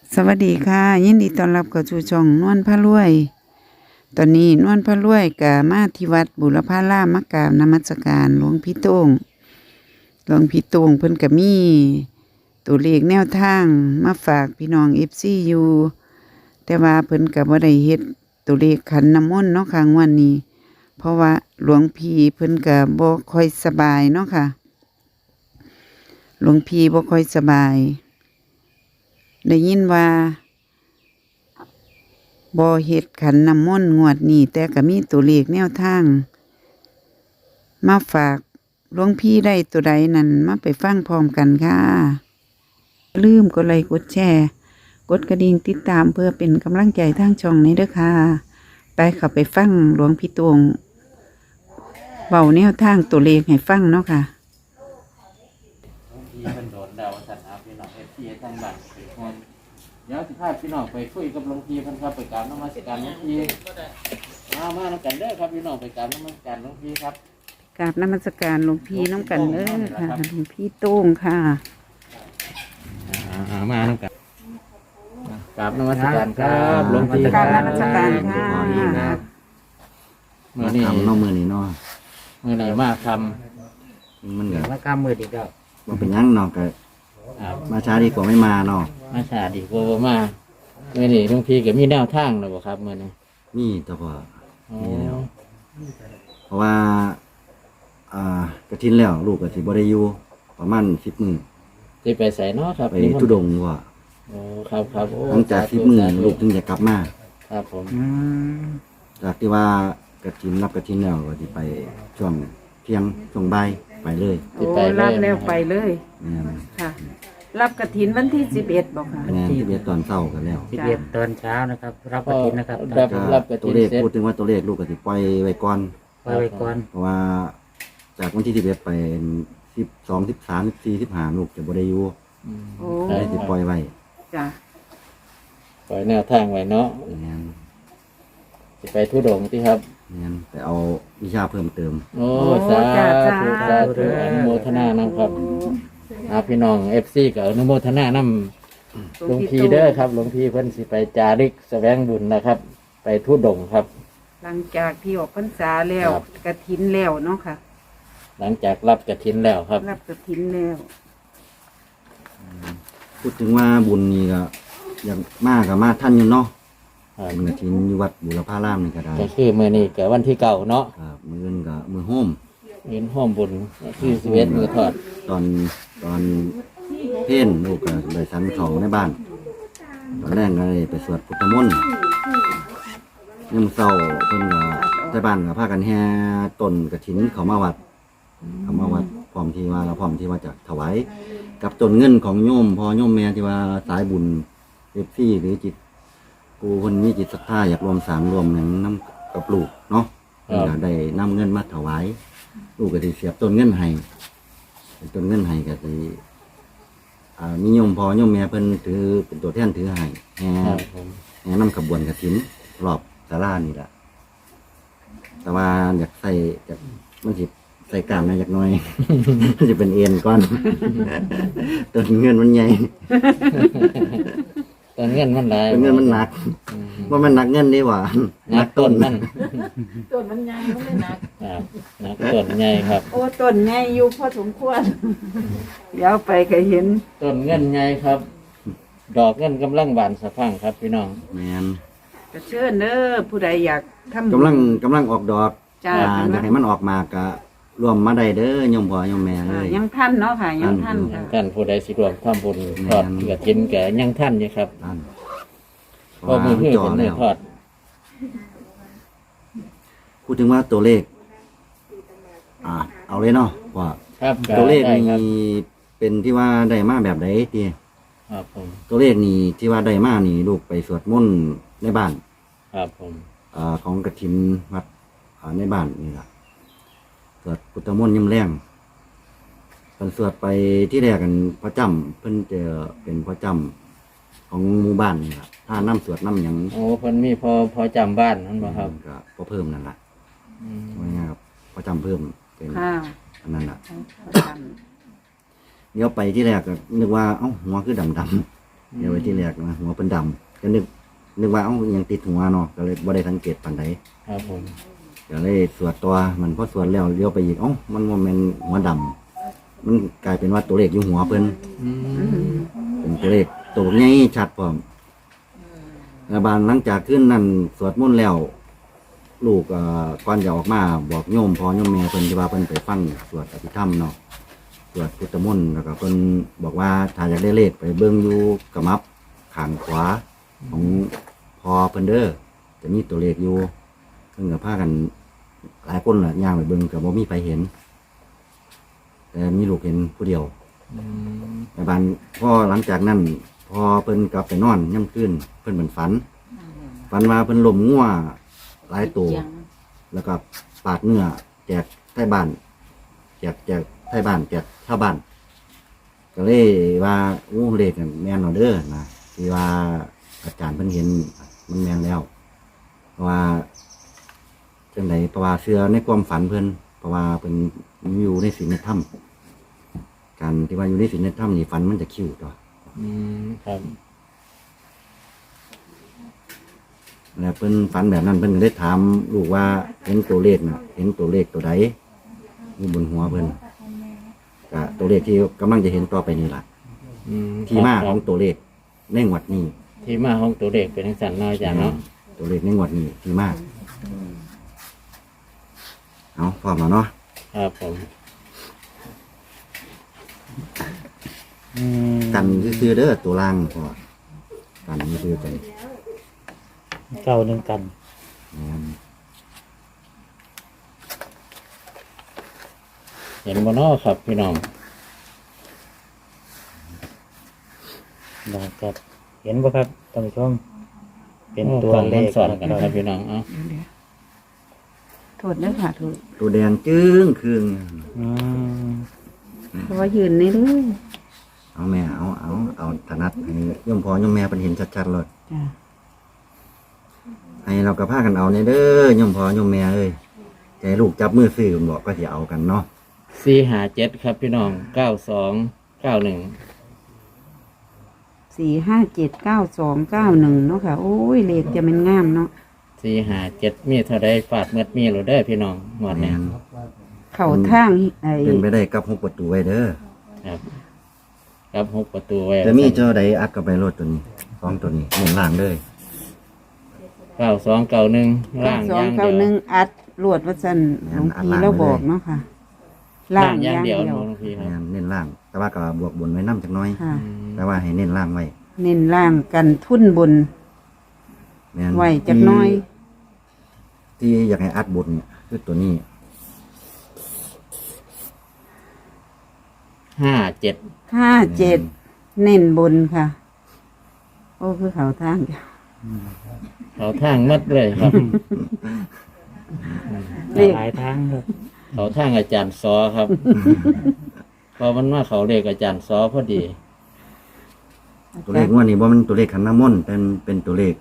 สวัสดีค่ะยินดีต้อนรับเข้าสู่ช่องนวลพระรวยตอนนี้นวลพระรวยก็มาที่วัดบุรพารามมากราบนมัสการหลวงพี่โต้งเพิ่นก็มีตัวเลขแนวทางมาฝากพี่น้อง FC อยู่แต่ว่าเพิ่นก็บ่ได้เฮ็ดตัวเลขขันน้ำมนต์เนาะค่ะงวดนี้เพราะว่าหลวงพี่เพิ่นก็บ่ค่อยสบายเนาะค่ะหลวงพี่บ่ค่อยสบายได้ยินว่าบ่เฮ็ดขันน้ำมนต์งวดนี้แต่ก็มีตัวเลขแนวทางมาฝากหลวงพี่ได้ตัวใดนั่นมาไปฟังพร้อมกันค่ะอย่าลืมกดไลค์กดแชร์กดกระดิ่งติดตามเพื่อเป็นกำลังใจทางช่องนี้เด้อค่ะไปเข้าไปฟังหลวงพี่ตวงเบาแนวทางตัวเลขให้ฟังเนาะค่ะที่มันโดนดาวสันอาพี่น้องที่ทั้งบ้านเป็นคนเดี๋ยวสิพาพี่น้องไปคุยกับหลวงพี่เพิ่นครับไปกราบนมัสการหลวงพี่มานํกันเด้อครับพี่น้องไปกราบนมัสการหลวงพี่ครับกราบนมัสการหลวงพี่น้ำกันเด้อค่ะหลวงพี่โต้งค่ะมานํกันกราบนมัสการครับหลวงพี่กราบนมัสการค่ะมื้อนี้ทำเนาะมือนี้เนาะมื้อนี้มาทมันก็มากำมือดีก็บ่เป็นหยังเนาะก็ำมาช้าดีกว่าไม่มาเนาะมาชาดีกว่าบ่มามื้อนี้หลวงพี่ก็มีแนวทางแล้วบ่ครับมื้อนี้นี่แต่พออ๋อนี่แล้วเพราะว่ากระทินแล้วลูกก็สิบ่ได้อยู่ประมาณ10 มื้อสิไปไสเนาะครับไปทุดงค์ว่าโอ้ครับครับโอ้หลังจาก10 มื้อลูกถึงจะกลับมาครับผมจากที่ว่ากระทินรับกระทินแล้วก็สิไปช่วงเที่ยงช่วงบ่ายไปเลยโอ้รับแล้วไปเลยแม่นค่ะ รับกฐินวันที่11บอกค่ะแม่นที่เบียตอนเช้ากันแล้ว 11 ตอนเช้านะครับ รับกฐินนะครับรับกตัฐิวน เลขเสร็จพูดถึงว่าตัวเลขลูกก็สิปล่อยไว้ก่อนปล่อยไว้ก่อนเพราะว่าจากวันที่11ไป12 13 14 15ลูกจะบ่ได้อยู่โอ้เลยสิปล่อยไว้จ้ะปล่อยแนวทางไว้เนาะแม่นสิไปทุดงที่ครับแม่นไปเอาวิชาเพิ่มเติมโอ้สาธุสาธุอนุโมทนานำครับพี่น้อง FC กับอนุโมทนานำหลวงพี่เด้อครับหลวงพี่เพิ่นสิไปจาริกแสวงบุญนะครับ ไปทุดงครับหลังจากที่ออกพรรษาแล้วครับกฐินแล้วเนาะค่ะหลังจากรับกฐินแล้วครับรับกฐินแล้วพูดถึงว่าบุญนี่ก็อย่างมากกับมาท่านอยู่เนาะครับบุญกฐินอยู่วัดบุรพารามนี่ก็ได้ก็คือมื้อนี้ก็วันที่เก่าเนาะครับมื้ออื่นก็มื้อโฮมเงินห้อมบุญคือ11มื้อทอดตอนเพลลูกก็ได้สันของในบ้านตอนแรกก็เลยไปสวดพุทธมนต์ยามเช้าเพิ่นก็ในบ้านก็พากันแห่ต้นกฐินเข้ามาวัดพร้อมที่ว่าจะถวายกับต้นเงินของโยมพ่อโยมแม่ที่ว่าสายบุญFCหรือจิตกูคนมีจิตศรัทธาอยากรวมสร้างรวมหยังนํกับลูกเนาะเพิ่นก็ได้นำเงินมาถวายลูกก็สิเสียบต้นเงินให้ต้นเงินให้ก็สิมีโยมพ่อโยมแม่เพิ่นถือเป็นตัวแทนถือให้แห่ครับผมนำขบวนกฐินรอบศาลานี่ล่ะแต่ว่าอยากใส่มันสิใส่กล้ามหน่อยจักหน่อย มันจะเป็นเอ็นก่อน ต้นเงินมันใหญ่ต้นเงินมันหลายต้นเงินมันหนักว่ามันหนักเงินดีกว่าหนักต้นมันต้นมันใหญ่มันไม่หนักครับหนักต้นใหญ่ครับโอ้ต้นใหญ่อยู่พอสมควร เดี๋ยวไปก็เห็นต้นเงินใหญ่ครับ ดอกเงินกำลังบานสะพรั่งครับพี่น้องแมนก็เชิญเด้อผู้ใดอยากทำบุญกำลังออกดอกจ้าอยากให้มันออกมากะรวมมาได้เด้อโยมพ่อโยมแม่เลยยังท่านเนาะค่ะยังท่านท่ค่ะท่านผู้ใดสิรวมทำบุญทอดกระถินแก่ยังท่านอยู่ครับท่านเพราะมือเพื่อจ่อเป็นมืแล้อวทอดพูดถึงว่าตัวเลขเอาเลยเนาะว่าครับตัวเลขได้ครับนี่เป็นที่ว่าได้มาแบบไหนทีครับผมตัวเลขนี่ที่ว่าได้มานี่ลูกไปสวดมนต์ในบ้านครับผมของกฐินวัดในบ้านนี่ล่ะสวดพุทธมนต์ยามแรงเพิ่นสวดไปที่แรกกันพระจำเพิ่นจะเป็นพระจำของหมู่บ้านนี่ล่ะถ้าน้ำสวดน้ำหยังโอ้เพิ่นมีพอจำบ้านนั่นบ่ครับก็พอเพิ่มนั่นล่ะอืมว่าง่ายๆครับพระจำเพิ่มเป็นค่ะอันนั้นล่ะประจเดี๋ยวไปที่แรกก็นึกว่าเอ้าหัวคือดำเดี๋ยวไว้ที่แรกนะหัวเป็นดำก็นึกว่าเอ้ายังติดหัวเนาะก็เลยบ่ได้สังเกตปานใดครับผมก็เลยสวดตัวมันพอสวดแล้วเลี้ยวไปอีกเอ้ามันบ่แม่นหัวดำมันกลายเป็นว่าตัวเลขอยู่หัวเพิ่นอืมเป็นตัวเลขตัวใหญ่ชัดพร้อมแล้วบานหลังจากขึ้นนั่นสวดมนต์แล้ว ลูกก่อนจะออกมาบอกโยมพ่อโยมแม่เพิ่นที่ว่าเพิ่นไปฟังสวดอภิธรรมเนาะสวดพุทธมนต์แล้วก็เพิ่นบอกว่าถ้าอยากได้เลขไปเบิ่งอยู่กระมับข้างขวาของพ่อเพิ่นเด้อจะมีตัวเลขอยู่เพิ่นก็พากันหลายคนล่ะย่างไปเบิ่งก็บ่มีใครเห็น แต่มีลูกเห็นผู้เดียวอืมแต่บานพ่อหลังจากนั้นพอเพิ่นกลับไปนอนย่ำขึ้นเพิ่นเหมือนฝันว่าเพิ่นล้มงัวหลายตัวแล้วก็ปาดเนื้อแจกไทบ้านแจกไทบ้านแจกชาวบ้านก็เลยว่าอู้เลขแม่นเอาเด้อนะที่ว่าอาจารย์เพิ่นเห็นมันแม่นแล้ว เพราะว่าจังไดเพราะว่าเชื่อในความฝันเพิ่นเพราะว่าเพิ่นอยู่ในศีลในธรรมการที่ว่าอยู่ในศีลในธรรมนี่ฝันมันจะคิ้วตัวอืมครับแล้วเพิ่นฝันแบบนั้นเพิ่นก็ได้ถามลูกว่าเห็นตัวเลขน่ะ เห็นตัวเลขตัวใดอยู่บนหัวเพิ่นก็ตัวเลขที่กำลังจะเห็นต่อไปนี่ล่ะอืมที่มาคขรัอบ งตัวเลขในงวดนี้ที่มาของตัวเด็กเป็นทังสันเนาะอาจารย์เนาะตัวเลขในงวดนี้ที่มาเอาพร้อมแล้วเนาะครับผมอืมกันซื่อๆเด้อตัวล่างพอกันซื่อๆกันเก้าหนึ่งกันแม่นเห็นบ่เนาะครับพี่น้องนะครับเห็นบ่ครับท่านผู้ชมเป็นโอ้ตัวกล้องเลมันขสอนกันนะคครัรับบ พี่น้องเอ้าโทษนะค่ะโทษตัวแดงจึ้งคืงอืมเพราะว่ายืนนี่เลยเอาแม่เอาถนัดให้โยมพ่อโยมแม่เป็นเห็นชัดๆเลยจ้ะให้เรากระพากันเอาในเด้อโยมพ่อโยมแม่เอ้ยใจลูกจับมือซื้อบอกก็จะเอากันเนาะ 457ครับพี่น้อง9291 4579291เนาะค่ะ โอ้ยเลขจะมันงามเนาะ 457มีเท่าใดฟาดเม็ดมีหรือเด้อพี่น้องงวดแม่นี้นเข้าทางไอ้เป็นไปได้กับ6ประตูไว้เด้อครับครับ6ประตูไว้จะมีเจ้าใดอัดกับไปรถตัวนี้สองตัวนี้เน้นล่างเลย 9291ล่างอย่างเดียว 9291อัดลวดว่าซั่นหลวงพี่เราบอกเนาะค่ะล่างอย่างเดียวหลวงพี่คแม่รับนเน้นล่าง แต่ว่าก็บวกบนไว้น้ำจักหน้อยค่ะแต่ว่าให้เน้นล่างไว้เน้นล่างกันทุนบนแม่นไว้จักหน้อยที่อยากให้อัดบนเนี่ยคือตัวนี้ 57 57เน้นบนค่ะ โอ้คือเขาทางจ้ะเขาทางมัดเลยครับเลขหลายทางครับเขาทางอาจารย์ซอครับ พอมันมาเขาเลขอาจารย์ซอพอดีตัวเลขงวดนี้ว่ามันตัวเลขขันน้ำมนต์เป็นตัวเลข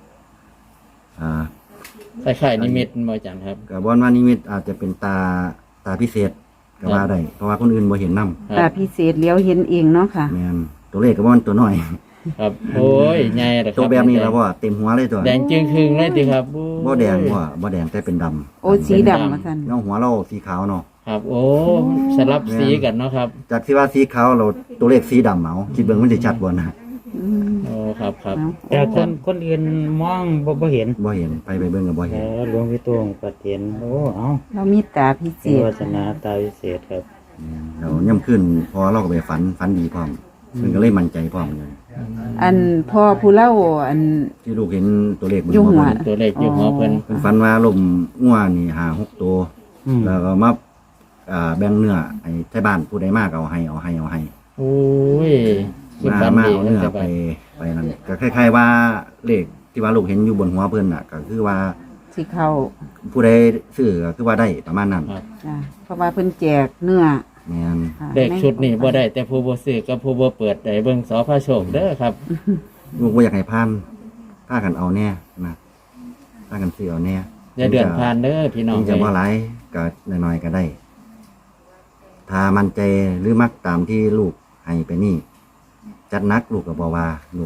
คล้ายๆนิมิตบ่อาจารย์ครับกับบอนว่านิมิตอาจจะเป็นตาพิเศษก็ว่าได้เพราะว่าคนอื่นบ่เห็นน้คตารับพิเศษเลี้ยวเห็นเองเนาะค่ะำแม่นตัวเลขกับว่ามันตัวน้อยครับโอ้ยใหญ่เลยคตัวรับแบบนี้แล้วว่าเต็มหัวเลยตัวแดงจึงครึ่งเลยดิครับบ่แดงบ่แดงแต่เป็นดำโอ้สีดำมาสั่นแล้วหัวเราสีขาวเนาะครับ โอ้สลับสีกันเนาะครับจากที่ว่าสีขาวเราตัวเลขสีดำเอาคิดเบิ่งมันสิชัดบ่นะอืมโอ้ครับครับแต่คนอื่นมองบ่เห็นบ่เห็นไปเบิ่งก็บ่เอเห็นอหลวงพี่ตวงปัดเห็นโอ้เอาเรามีตาพิเศเป็นษวาสนาตาวิเศษครับเราย่ำขึ้นพอเราก็ไปฝันดีพร้อมมันก็เลยมั่นใจพร้อมเลยอันพ่อผู้เล่าอันที่ลูกเห็นตัวเลขบนอยู่หัวเพิ่นตัวเลขอยู่หัวเพิ่นเพิ่นฝันว่าลมงัวนี่5-6ตัวอืมแล้วก็มาแบ่งเนื้อให้ไทบ้านผู้ใดมากเอาให้โอ้ยคุณมาฝันมาดีเอานะเนื้อครับไปนั่นก็คล้ายๆว่าเลขที่ว่าลูกเห็นอยู่บนหัวเพิ่นน่ะก็คือว่าสิเข้าผู้ใดซื้อก็คือว่าได้ประมาณนั้นครับจ้ะเพราะว่าเพิ่นแจกเนื้อแม่นค่ะเลขชุดนี้บ่ได้แต่ผู้บ่ซื้อกับผู้บ่เปิดได้เบิ่งสอพระโชคเด้อครับลูกบ่อยากให้พานพากันเอาแน่นะพากันซื้อเอาแน่อย่าเดือนผ่านเด้อพี่น้องถึงจะบ่หลายก็น้อยๆก็ได้ ถ้ามั่นใจหรือมักตามที่ลูกให้ไปนี่ จัดหนักลูกก็บ่ว่าลูก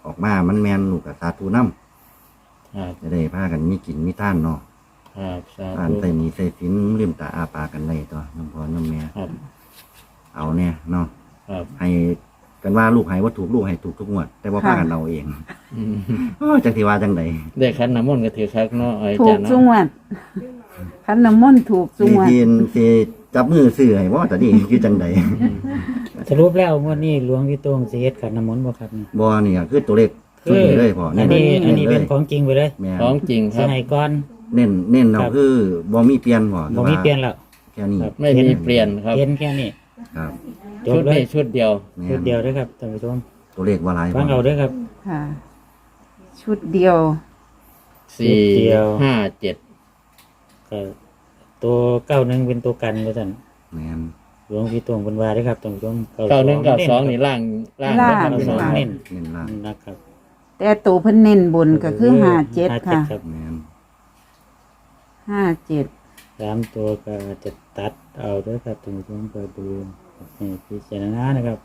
ออกมามันแม่นลูกก็สาธุนำครับจะได้พากันมีกินมีท่านเนาะครับสาท่านธุใส่หนีใส่สินลืมตาอ้าปากกันได้ตัวน้ำพ่อน้ำแม่ครับเอาเนี่ยเนาะครับให้กันว่าลูกให้ว่าถูกลูกให้ถูกทุกงวด แต่ว่าพากันเอาเองอืมจังที่ว่าจังไดได้ขันน้ำมนต์ก็ถือคักเนาะไอ้ถูจาก นสุเนาะงวดคันน้ำมนต์ถูกสุทีงวดทีนสิจับมือซื้อให้ว่าแต่นี่คือจังไดสรุปแล้วงวดนี้หลวงพี่โต้งสิเฮ็ดขันน้ำมนต์บ่ครับนี่บ่นี่ก็คือตัวเลขชุดนี้เลยพ่ออันนี้อันนี้เลเป็นยของจริงไปเลยแม่นของจริงคสิรับให้ก่อนเน้นเราครับคือบ่มีเปลี่ยนบ่บ่มีเปลี่ยนแล้วแค่นี้ครับไม่มีเปลี่ยนครับเห็นแค่นี้ครับจชุบดเลนี้ยชุดเดียวแม่ชุดนเดียวเด้อครับท่านผู้ชมตัวเลขว่าหลายฟังเอาเด้อครับค่ะ ชุดเดียวสี่เดียวห้าเจ็ดก็ตัว91เป็นตัวกันว่าซั่นแม่นหลวงพี่โต้งเพิ่นว่าเด้อครับท่านผู้ชม 91 92นี่ล่างล่างเบิดเก้าทั้งสสออง งเน้นเน้นล่างนะครับแต่ตัวเพิ่นเน้นบนก็คือ57ค่ะรับแม่น 57 สามตัวก็จะตัดเอาเด้อครับท่านผู้ชมก็ดูให้พิจารณานะครับ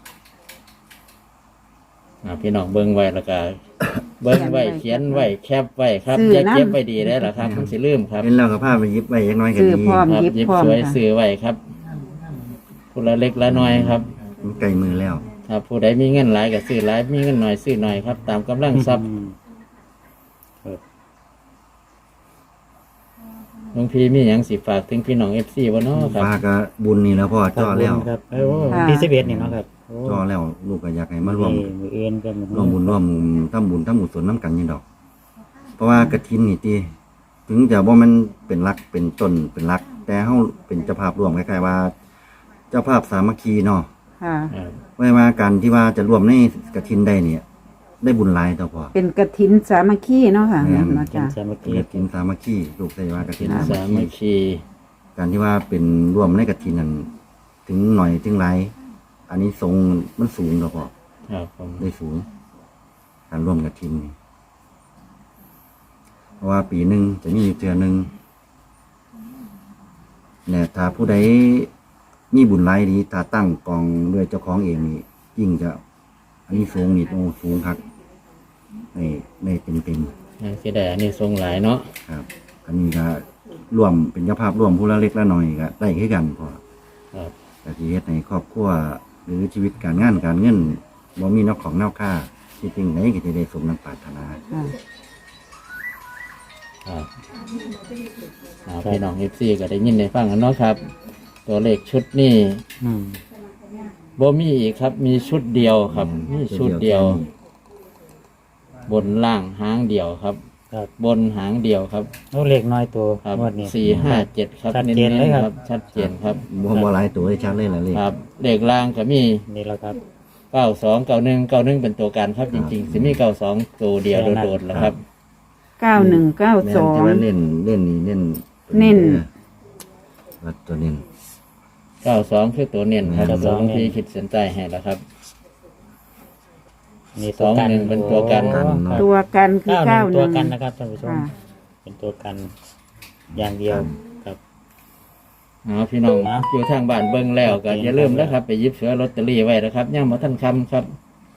พี่น้องเบิ่งไว้แล้วก็ เบิ่งไว้เขียนไว้แคปไว้ครับซื้ออย่าน้ำเก็บไว้ดีได้หรอครับมันสิลืมครับเห็นแล้วก็พาไปหยิบไว้อยังน้อยก็ซื้อดีพร้อมครับหยิบหยิบพร้อมสวยค่ะซื้อไว้ครับผู้ละเล็กละน้อยครับมันใกล้มือแล้วครับผู้ใดมีเงินหลายก็ซื้อหลายมีเงินน้อยซื้อน้อยครับ ตามกำลังทรัพย์ครับหลวงพี่มีหยังสิฝากถึงพี่น้อง FC บ่เนาะครับฟ้าก็บุญนี่แล้วพ่อจ่อแล้วครับโอ้ที่11นี่เนาะครับโอ้จ่อแล้วลูกก็อยากให้มาร่วมนี่มือเอ็นกันร่วมบุญร่วมทำบุญทำบุญสนน้ำกันนี่ดอก เพราะว่ากฐินนี่ติถึงจะว่ามันเป็นรักเป็นต้นเป็นรัก แต่เฮาเป็นเจ้าภาพร่วมคล้ายๆว่า เจ้าภาพสามัคคีเนาะค่ะครับไว้ว่าการที่ว่าจะร่วมในกฐินได้เนี่ย ได้บุญหลายต่อพอเป็นกฐินสามัคคีเนาะค่ะแม่นเนาะกินจ้ะสามัคเป็นคีกฐินสามัคคีลูกใส่ว่ากฐินเป็นสาสามัมัคคคีคีการที่ว่าเป็นร่วมในกฐินนั้นถึงหน่อยถึงหลายอันนี้ทรงส์มันสูงต่อพอครับผมได้สูง การร่วมกับทีมนี่เพราะว่าปีหนึ่งจะมีอยู่เทื่อหนึ่งเนี่ยถ้าผู้ใดมีบุญหลายดีถ้าตั้งกองด้วยเจ้าของเองนี่ยิ่งจะ อันนี้สูงนี่โอ้สูงครับในเต็มยังสิได้อันนี้ทรงหลายเนาะๆครับ อันนี้ก็ร่วมเป็นเจ้าภาพร่วมผู้ละเล็กละน้อยก็ได้ขึ้นกันพอครับแต่ที่เฮ็ดในครอบครัวหรือชีวิตการงานการเงินบ่มีนอกของนอกค่าที่จริงไหนก็จะได้สมนังปรารถนาค่ะครับพี่น้อง FC ก็ได้ยินได้ฟังกันเนาะครับ ตัวเลขชุดนี้อืมบ่มีอีกครับ มีชุดเดียวครับ มีชุดเดียว บนล่างหางเดียวครับครับบนหางเดียวครับโอ้เล็กน้อยตัวครับงวดนี้ 457 ครับชัดเจนเลยครับชัดเจนครับบ่หลายตัวให้ชัดเลยล่ะเลยครับเลขล่างก็มีนี่แหละครับ 92 91 91เป็นตัวการครับจริงๆสิมี92ตัวเดียวโดดๆแล้วครับแม่นที่ว่า 9192 เน้นนี่เน้นเน้นว่าตัวเน้น 92คือตัวเน้นครับ 92 หลวงพี่ขีดเส้นใต้ให้แล้วครับนี่ตัวกัน 21เป็นตัวกันโอ้ครับตัวกันคือ 91ตัวกัน 91 นะครับท่านผู้ชมค่ะเป็นตัวกันอย่างเดียวครับเอาพี่น้องอยู่ทางบ้านเบิ่งแล้วก็อย่าลืมนะครับ ไปหยิบเสือลอตเตอรี่ไว้นะครับย่างมาท่านคำครับ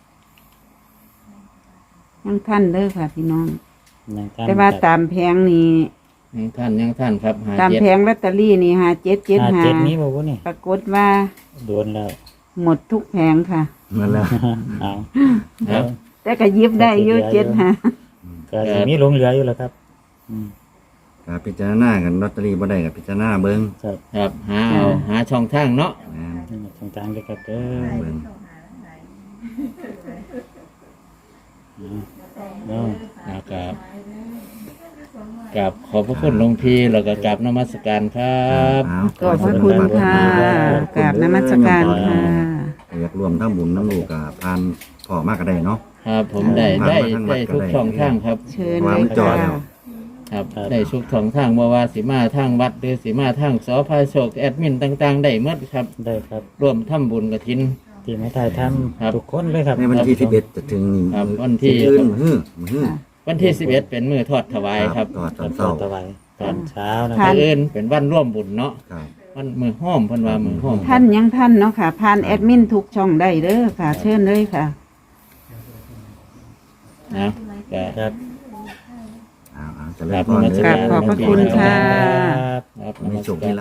ยังท่านเด้อค่ะพี่น้องอย่างกันแต่ว่าครับตามแผงนี่ยังท่านครับหาตามเจ็ดแผงลอตเตอรี่นี่ 57นี้ 5775 บอกว่านี่ปรากฏว่าโดนแล้วหมดทุกแผงค่ะนั่นแหละเอาครับแต่ก็หยิบได้อยู่75 ก็สิมีหลงเหลืออยู่แล้วครับอืมก็พิจารณากันลอตเตอรี่บ่ได้ก็พิจารณาเบิ่งครับครับหาช่องทางเนาะแม่นนี่ตรงกลางเลยครับเด้อเบิ่งเอานะครับกับขอบพระคุณหลวงพี่แล้วก็กราบนมัสการครับเอาขอบพระคุณค่ะกราบนมัสการค่ะอยากร่วมทำบุญน้ำลูกก็ผ่านพ่อมากก็ได้เนาะครับผมได้ทุกช่องทางครับเชิญวาเลงยจอค่ะแล้วครับได้ทุกช่องทางบ่ว่าสิมาทางวัดหรือสิมาทางสพโชคแอดมินต่างๆได้หมดครับได้ครับร่วมทำบุญกฐินที่มาถ่ายทครับำทุกคนเลยครับในวันที่11จะถึงนี่ครับวันที่มื้ออื่นมื้อวันที่11เป็นมื้อทอดถวายครับตอนตอนเช้าถวายตอนเช้านะคค่ะรับมื้ออื่นเป็นวันร่วมบุญเนาะครับวันมือห้อมเพิ่นว่ามือห้อมท่านยังท่านเนาะค่ะผ่านแอดมินทุกช่องได้เด้อค่ะ เชิญเลยค่ะนะก็ครับเอาเจะเริ่ครัมบพรนมัสเด้การขอบพระคุณค่ะรับครับมีโชคมีลาภ